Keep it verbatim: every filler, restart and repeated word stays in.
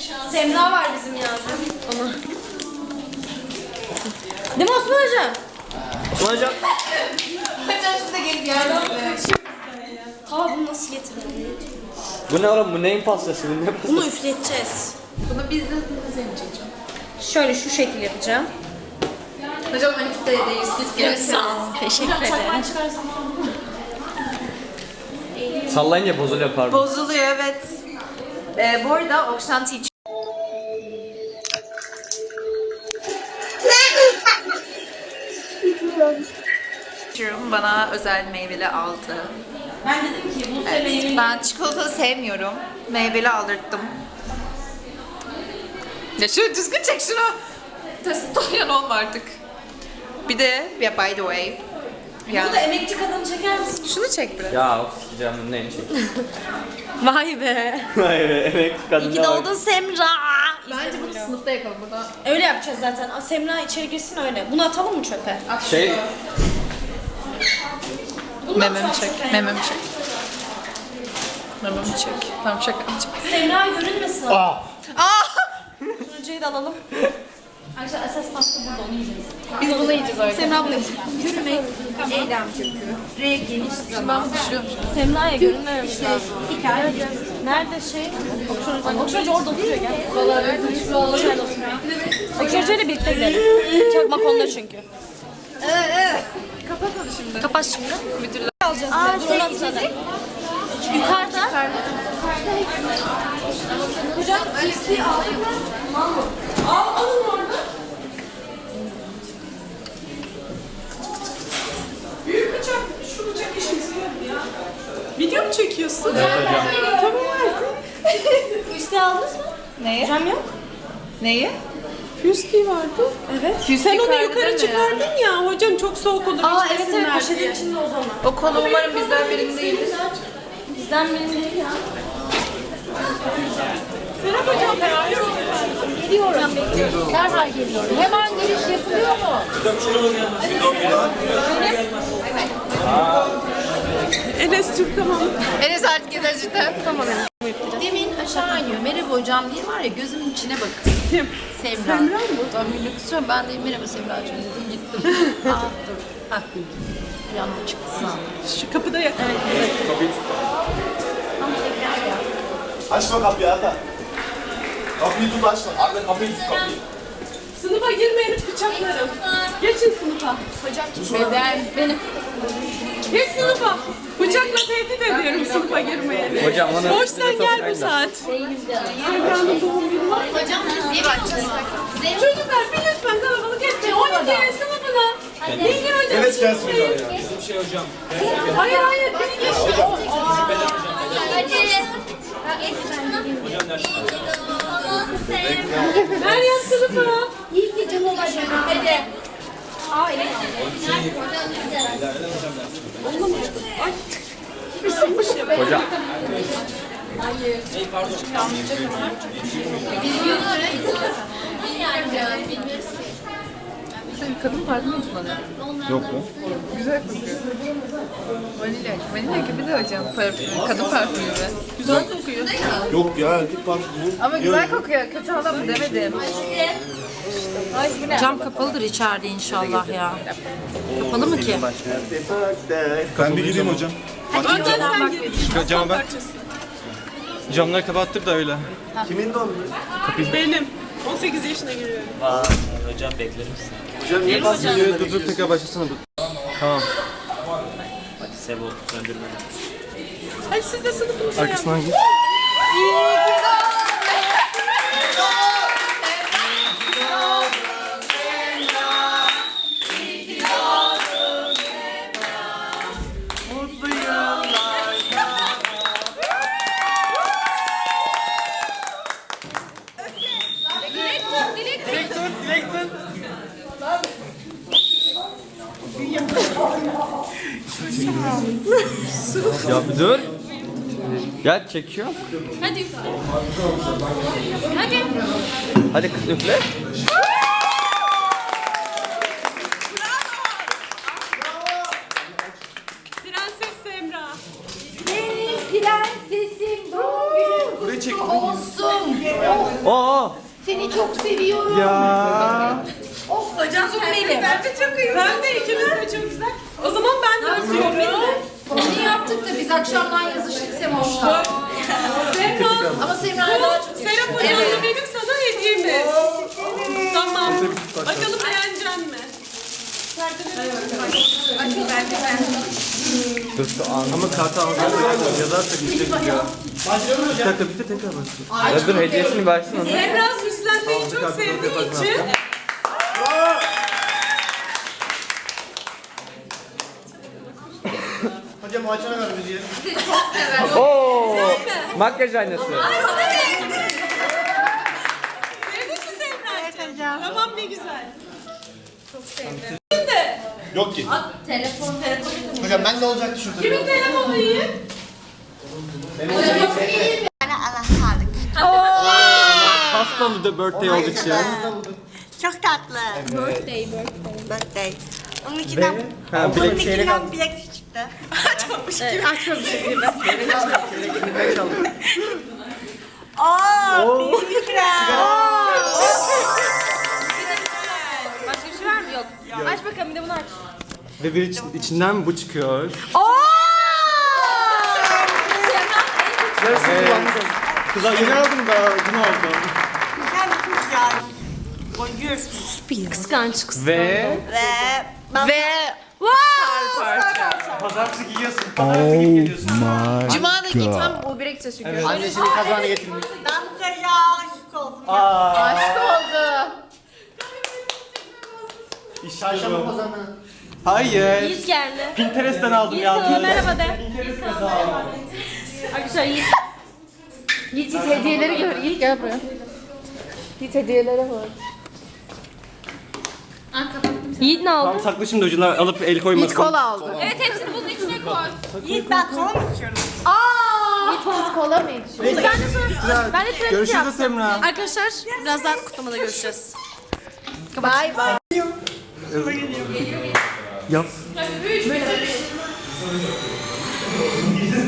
Semra var bizim yani. Ama. Değil mi Osman Hocam? Osman Hocam. Hocam size gelip yardım edin. Tamam bunu nasıl getirelim? Bu ne oğlum? Bu neyin pastası? Bu ne pastası? Bunu üfleteceğiz. Bunu biz de deneyeceğim. Şöyle şu şekil yapacağım. Hocam on iki değil. Siz gelirsiniz. Teşekkür ederim. Sallayınca bozuluyor pardon. Bozuluyor evet. Ee, bu arada Okşan Teacher bana özel meyveli aldı. Ben dedim ki bu Evet, ben çikolata sevmiyorum. Meyveli aldırttım. Ya şu düzgün çek şunu. Testosteron olma artık. Bir de ya by the way. Yani, Burada emekçi kadını çeker misin? şunu çek biraz. Ya of sikeceğim bunu neyini çek. Vay be. Hayır emekli kadın. İyi ki doğdun Semra. Bence bunu sınıfta yakalım burada. Öyle yapacağız zaten. Aa, Semra içeri girsin öyle. Bunu atalım mı çöpe? Şey Bunu Mememi atalım çek, çöpe. mememi çek. Mememi çek. Tamam şaka yapacağım. Semra görünmesin. Aa. Aa! Önceyi de alalım. Arkadaşlar esas pasta burada onu yiyeceğiz. Biz bunu yiyeceğiz öyle. Semra bunu yiyecek. Yürümek. Eylem çünkü. R geniş zaman. Ben düşüyorum. Semra'ya görünmememiz lazım. Nerede şey? Okşan Okşan Hoca orada oturuyor gel. Okşan oturuyor. Okşan Hoca ile birlikte gidelim. Çakmak onda çünkü. Kapatalım şimdi. Kapat şimdi. Müdürler. Alacağız. Aa, dur onu atalım. Yukarıda. Hocam listeyi aldım. Al, alın orada. Büyük bıçak, şu bıçak işimizi görür ya. Video mu çekiyorsun? evet hocam. Tamam artık. Listeyi aldınız mı? Neyi? Hocam yok. Neyi? Füsti vardı. Evet. Sen onu yukarıda yukarı mi? çıkardın ya. Hocam çok soğuk olur. Aa evet içmesinler evet poşetin diye. içinde o zaman. O konu umarım bizden birinin değildir. Bizden benim değil ya. Serap hocam bekliyorum. Geliyorum. Derhal geliyorum. Hemen giriş yapılıyor mu? Enes'cim tamam. Enes artık yeter cidden. Tamam Enes. Demin aşağı iniyor. Merhaba hocam diye var ya gözümün içine bakın. Kim? Semra. Semra mı? Tam günlük kısıyorum. Ben de merhaba Semra'cığım dedim gittim. Aa dur. Hah. Yanına çıktı sağ ol. Şu kapıda yakın. Açma kapıyı Ata. Kapıyı tut açma. Arda kapıyı tut kapıyı. Sınıfa girmeyin bıçaklarım. Geçin sınıfa. Hocam beden benim. Geç sınıfa. Bıçakla tehdit ediyorum sınıfa girmeyeni. Hocam onu Boşsan gel bu saat. Semra'nın doğum günü var. Hocam biz iyi bakacağız. Çocuklar bir lütfen kalabalık etmeyin. on ikiye sınıfına. Bilgin hocam. Evet gelsin hocam ya. Hayır hayır beni geçti. Meryem sınıfa. İyi ki canım hocam. Hadi. Aa evet. hocam. Sen kadın parfümü mü kullanıyorsun? Yok mu? Güzel kokuyor. Vanilya. Vanilya gibi de hocam parfüm. Kadın parfümü be. Güzel kokuyor. Yok ya git bak. Ama güzel kokuyor. Kötü adam demedim. Cam kapalıdır içeride inşallah ya. Kapalı mı ki? Ben bir gideyim hocam. Önden sen gir. Camı ben. Camları kapattık da öyle. Kimin doğum günü? Benim. on sekiz yaşına giriyorum. Hocam niye basın? Dur dur tekrar başlasana dur. Tamam. Hadi siz de sınıfınıza yapın. Arkasından git. Ya bir dur. Ya çekiyor. Hadi üfle. Hadi. Hadi kız üfle. Prenses Semra. Benim prensesim doğum günüm. çek. Olsun. Oo. Seni çok seviyorum. Ya. Oh hocam benim. Ben de çok iyi. Ben de ikimiz de çok güzel. O zaman ben de atıyorum. Onu yaptık da biz akşamdan yazıştık Semoş'la. Semra. Ama Semra'ya daha çok Serap hocamla benim sana hediyemiz. Tamam. Bakalım beğenecek mi? Açıl bence ben. Dur şu an. Ama kartı alacağız. Yazarsak işte gidiyor. Bir dakika bir de tekrar basın. Ya dur hediyesini versin ona. Semra süslenmeyi çok sevdiği için. Hocam o açana ver bizi. Oo. Makyaj aynası. Sevdin mi Semra'cığım? Tamam ne güzel. Çok sevdim. Şimdi Yok ki. Telefon telefon. Hocam ben de olacaktı şurada. kimin telefonu iyi? Hasta bir de birthday olduğu için. Çok tatlı. Birthday birthday. Birthday. Onun içinden, Ha, onun bilek çeyrek içinden bilek çıktı. Açmamış gibi. Açmamışız gibi. Ooo, büyük Başka bir şey var mı? Yok. Aç bakalım bir de bunu aç. Ve bir için, içinden bu çıkıyor. Kızlar yeni aldım da dün aldım. Güzel bir kız ya. Bonjour. Kıskanç kız. Ve Ve ben Ve pazartesi giyiyorsun. Pazartesi giyip geliyorsun. Cuma da gitmem o bire gideceğiz çünkü. Annesinin kazağını getirmiş. ben bu çocuğa aşık oldum. Aşk oldu. Çarşamba pazarına. Hayır. Yiğit geldi. Pinterest'ten aldım Yiğit ya. sana merhaba de. Yiğit sana merhaba. Arkadaşlar Yiğit. Yiğit Yiğit hediyeleri gör. Yiğit gel buraya. Yiğit hediyelere bak. Yiğit ne Tam aldı? saklı şimdi ucuna alıp el koymasın. Yiğit kola aldı. Evet hepsini bunun içine koy. Yiğit ben kola mı içiyorum? Yiğit biz kola mı içiyoruz? Ben de sonra ben de trafik Görüşürüz yaptım. Semra. Arkadaşlar birazdan kutlamada görüşeceğiz. Bye bye. Yap.